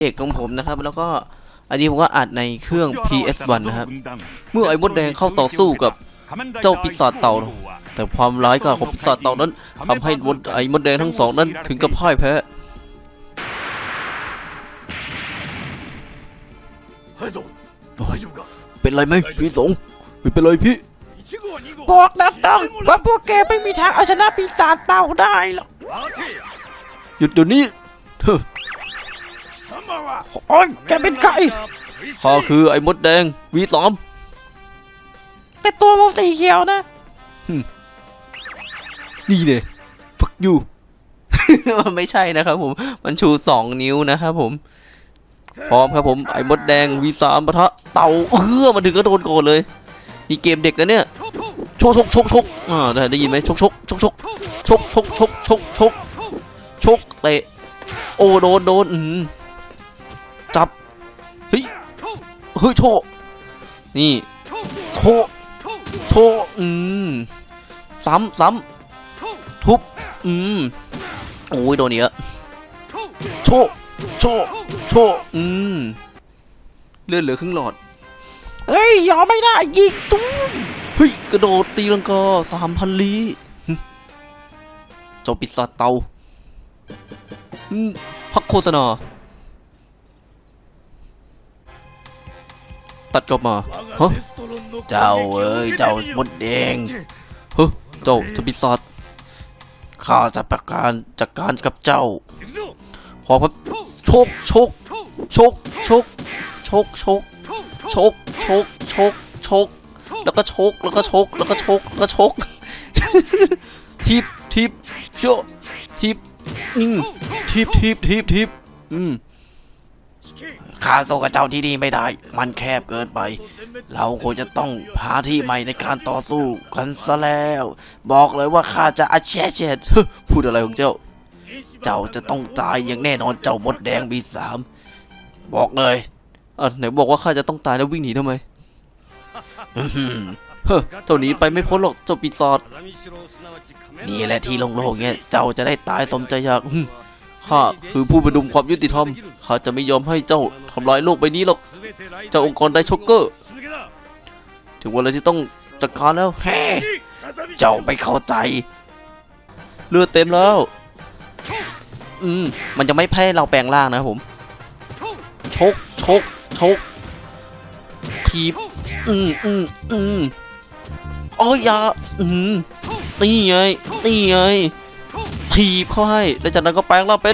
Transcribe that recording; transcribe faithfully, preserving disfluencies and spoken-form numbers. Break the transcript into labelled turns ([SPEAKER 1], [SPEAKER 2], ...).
[SPEAKER 1] เอกของผมนะครับแล้วก็อันนี้ผมก็อัดในเครื่อง พี เอส วัน นะครับเมื่อไอ้มดแดงเข้าต่อสู้กับเจ้าปีศาจเต่าแต่ความร้ายกาจของปีศาจเต่านั้นทำให้มดไอ้มดแดงทั้งสองนั้นถึงกับพ่ายแพ้เป็นไรไหมพี่สงไม่เป็นไรพี่
[SPEAKER 2] บอกนะต้องว่าพวกแกไม่มีทางเอาชนะปีศาจเต่าได้หรอก
[SPEAKER 1] หยุดเดี๋ยวนี้เฮ้อ
[SPEAKER 2] โอ้ยแกเป็นใคร
[SPEAKER 1] ข้าคือไอ้มดแดงวีสาม
[SPEAKER 2] แต่ตัวมันสีเขียวนะ
[SPEAKER 1] นี่เนี่ยฟักยูมันไม่ใช่นะครับผมมันชูสองนิ้วนะครับผมพร้อมครับผมไอ้มดแดงวีสามปะทะเต่าเออมาถึงก็โดนโกรธเลยนี่เกมเด็กนะเนี่ยชกชกชกชกอ่าได้ได้ยินไหมชกชกชกชกชกชกชกชกชกชกเตะโอ้โดนโดนอืมจับเฮ้ยเฮ้ยโชนี่โชโชอืมซ้ำซ้ำทุบอืมโอ้ยโดนเยอะโชโชโชอืมเลือดเหลือครึ่งหลอด
[SPEAKER 2] เฮ้ยยอมไม่ได้ยิงตุ้ม
[SPEAKER 1] เฮ้ยกระโดดตีลังกาสามพันลี้เจ้าปีศาจเต่าพักโฆษณาตัดกลับมาฮะเจ้าเอ้ยเจ้ามดแดงเฮ้ยเจ้าจะปีศาจข้าจะประการจัดการกับเจ้าขอพับโชกโชกโชกโชกโชกโชกโชกโชกโชกโชกแล้วก็โชกแล้วก็โชกแล้วก็โชกแล้วก็โชกทิปทิปโชทิปอืมทิปทิปทิปทิปอืมข้าสู้กับเจ้าที่นี่ไม่ได้มันแคบเกินไปเราคงจะต้องหาที่ใหม่ในการต่อสู้กันซะแล้วบอกเลยว่าข้าจะอาเชเชดพูดอะไรของเจ้าเจ้าจะต้องตายอย่างแน่นอนเจ้ามดแดงบีสามบอกเลยอ่ะไหนบอกว่าข้าจะต้องตายแล้ววิ่งหนีทำไมเฮ้อเจ้าหนีไปไม่พ้นหรอกเจ้าปีศาจนี่แหละที่โล่งๆเนี่ยเจ้าจะได้ตายสมใจอยากข้าคือผู้ประดุมความยุติธรรมข้าจะไม่ยอมให้เจ้าทำลายโลกใบนี้หรอกเจ้าองค์กรไดช็อกเกอร์ถึงเวลาที่ต้องจัดการแล้วแฮ่เจ้าไม่เข้าใจเลือดเต็มแล้วอืมมันจะไม่แพ้เราแปลงร่างนะครับผมชกชกชกทีบอืมอืมอืมโอ้ยยาอืมนี่ไงนี่ไงทีบเข้าให้แล้วจากนั้นก็แปลงร่างเป็น